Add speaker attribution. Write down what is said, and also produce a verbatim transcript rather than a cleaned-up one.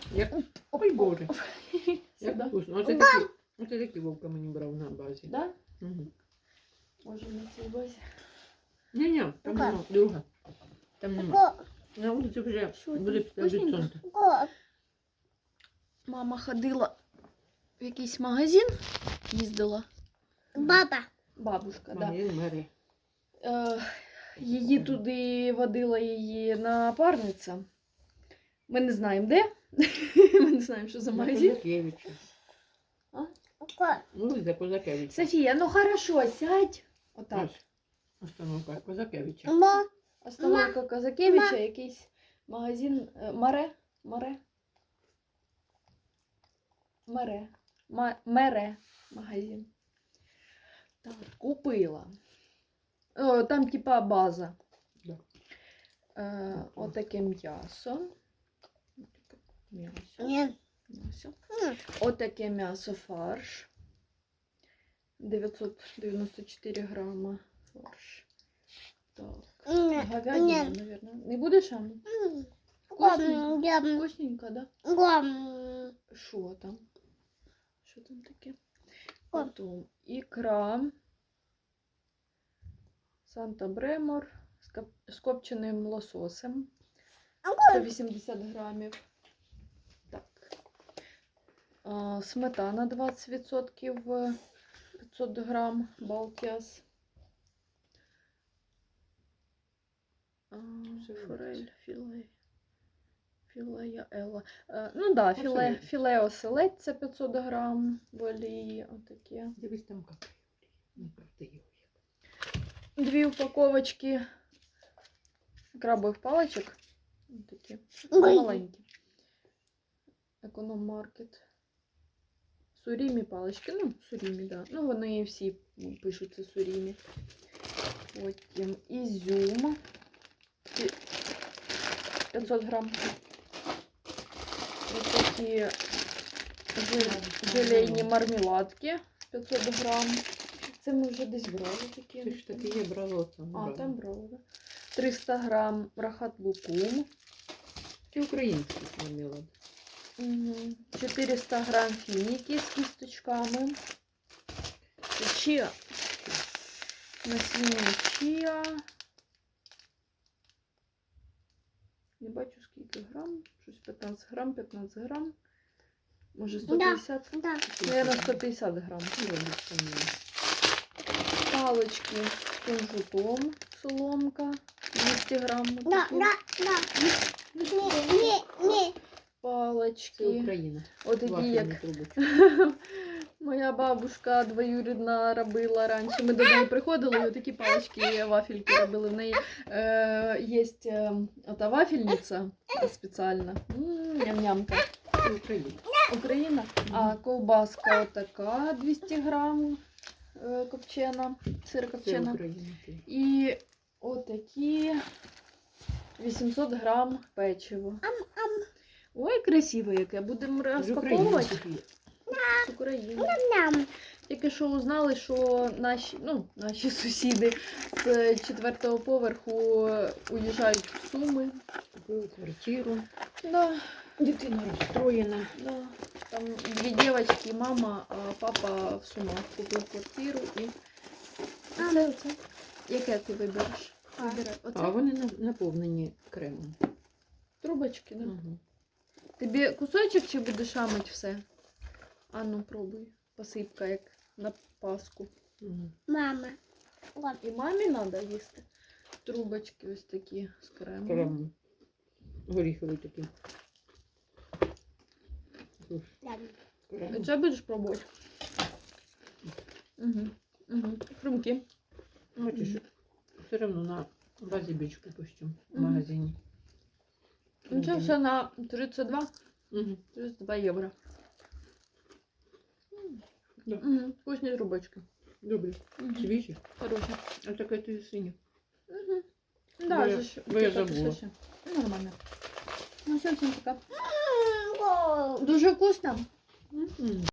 Speaker 1: Як... Ой, Боже. Як
Speaker 2: Сюди.
Speaker 1: вкусно. Оце такі, оце такі Вовка мені брав на базі.
Speaker 2: Да?
Speaker 1: Угу.
Speaker 2: Може на цій базі.
Speaker 1: Ні-ні, там
Speaker 3: Яка?
Speaker 1: нема, друга. Там нема.
Speaker 3: Ко,
Speaker 1: На вулиці вже
Speaker 2: Що там?
Speaker 1: буде від
Speaker 2: Вкусненько?
Speaker 1: сонця.
Speaker 3: ко.
Speaker 2: Мама ходила в якийсь магазин, їздила.
Speaker 3: Баба.
Speaker 2: Бабушка, да.
Speaker 1: Магазин Мері.
Speaker 2: Е, її туди водила її напарниця. Ми не знаємо де. Ми не знаємо, що за магазин.
Speaker 1: Козакевича.
Speaker 3: Ко.
Speaker 1: Ну, за Козакевича.
Speaker 2: Софія, ну хорошо, сядь. Отак.
Speaker 1: Ось. Остановка Козакевича.
Speaker 3: Мо.
Speaker 2: Остановка Козакевича, якийсь магазин. е, Маре. Маре. Маре. Ма- Мере. Магазин. Так, купила. О, там типа база.
Speaker 1: Да.
Speaker 2: Е, отаке м'ясо. Отаке М'ясо.
Speaker 3: Ні.
Speaker 2: М'ясо.
Speaker 3: М.
Speaker 2: Отаке м'ясо фарш. дев'ятсот дев'яносто чотири грама фарш. Так.
Speaker 3: Ні.
Speaker 2: Говядина,
Speaker 3: Ні.
Speaker 2: наверное. Не будеш, Анна?
Speaker 3: М.
Speaker 2: Вкусненько.
Speaker 3: Гом, гом,
Speaker 2: Вкусненько, да?
Speaker 3: гом.
Speaker 2: Що там? Що там таке?
Speaker 3: О.
Speaker 2: Потім ікра. Санта Бремор з кап- з копченим лососем. сто вісімдесят грамів. Так. А, сметана двадцять відсотків, п'ятсот грам, Балтіас. А, форель, філе. Філе Елла. Е, ну да, філе,
Speaker 1: Оселедець.
Speaker 2: філе оселедця п'ятсот грам в олії. Отаке.
Speaker 1: Дивись, там капає. Не правда його.
Speaker 2: Дві упаковочки крабових паличок. Такі
Speaker 3: Ой.
Speaker 2: маленькі. Економ-маркет. Сурімі палички. Ну, сурімі, да. Ну, вони всі пишуться сурімі. Потім ізюм. Пі- п'ятсот грам. Ось такі жел- желейні мармеладки. п'ятсот грам. Це ми вже десь брали такі.
Speaker 1: Це ж таки є брало там.
Speaker 2: А,
Speaker 1: брало.
Speaker 2: там брали, да? триста грам рахат лукум.
Speaker 1: Це українські мармелад.
Speaker 2: Угу. чотириста грам фініки з кісточками. Чия. Насіння чия. Не бачу скільки грам. Щось п'ятнадцять грам, п'ятнадцять грам. Може сто п'ятдесят?
Speaker 3: Да.
Speaker 2: Наверное, сто п'ятдесят грам. Палочки з кунжутом. Соломка. двісті грам.
Speaker 3: Да,
Speaker 2: отакі.
Speaker 3: да, да. Ні, ні, ні.
Speaker 1: Це
Speaker 2: Палочки.
Speaker 1: Україна.
Speaker 2: Отакі,
Speaker 1: Вафельні
Speaker 2: як
Speaker 1: трубочки.
Speaker 2: моя бабушка двоюрідна робила раніше. Ми додому приходили, і отакі палички, вафельки робили. В неї е, є е, ота вафельниця спеціальна. М, Ням-нямка.
Speaker 1: Це Україна.
Speaker 2: Україна. А ковбаска отака, двісті грам е, копчена, сир
Speaker 1: Це
Speaker 2: копчена.
Speaker 1: Україна.
Speaker 2: І отакі вісімсот грам печиво. Ой, красиве яке. Будемо
Speaker 1: З України.
Speaker 2: розпаковувати.
Speaker 1: Софія.
Speaker 2: З України.
Speaker 3: Ням.
Speaker 2: Тільки що узнали, що наші, ну, наші сусіди з четвертого поверху уїжджають в Суми.
Speaker 1: Купили квартиру.
Speaker 2: Да,
Speaker 1: Дитина розстроєна.
Speaker 2: да. Там дві дівчатки, мама, а папа в Сумах купив квартиру і оце, оце. Яке ти вибереш? Вибирай. Оце?
Speaker 1: А вони на- наповнені кремом.
Speaker 2: Трубочки, да?
Speaker 1: Угу.
Speaker 2: Тобі кусочок чи будеш амать все? А ну, пробуй. Посипка, як на Пасху.
Speaker 1: Угу.
Speaker 3: Мама. От.
Speaker 2: І мамі треба їсти. Трубочки ось такі з кремом.
Speaker 1: Крем. Горіховий такий. Крем.
Speaker 2: Це будеш пробувати? Угу. Угу. Хрумки.
Speaker 1: Бачиш, все одно на базі бічку пущу в
Speaker 2: Мгм.
Speaker 1: магазині.
Speaker 2: Ну, це все на тридцять два.
Speaker 1: Угу.
Speaker 2: тридцять два євро.
Speaker 1: Да.
Speaker 2: Угу. Вкусні трубочки.
Speaker 1: Добре.
Speaker 2: Угу.
Speaker 1: Свіжі.
Speaker 2: Хороші.
Speaker 1: А таке ти синя.
Speaker 2: Угу.
Speaker 1: Бо
Speaker 2: Да,
Speaker 1: я-
Speaker 2: же ж.
Speaker 1: бо я
Speaker 2: така
Speaker 1: забула.
Speaker 2: пішла ще. Ну, нормально. Ну, все, всім пока.
Speaker 3: М,
Speaker 2: Дуже вкусно.
Speaker 1: Мгм.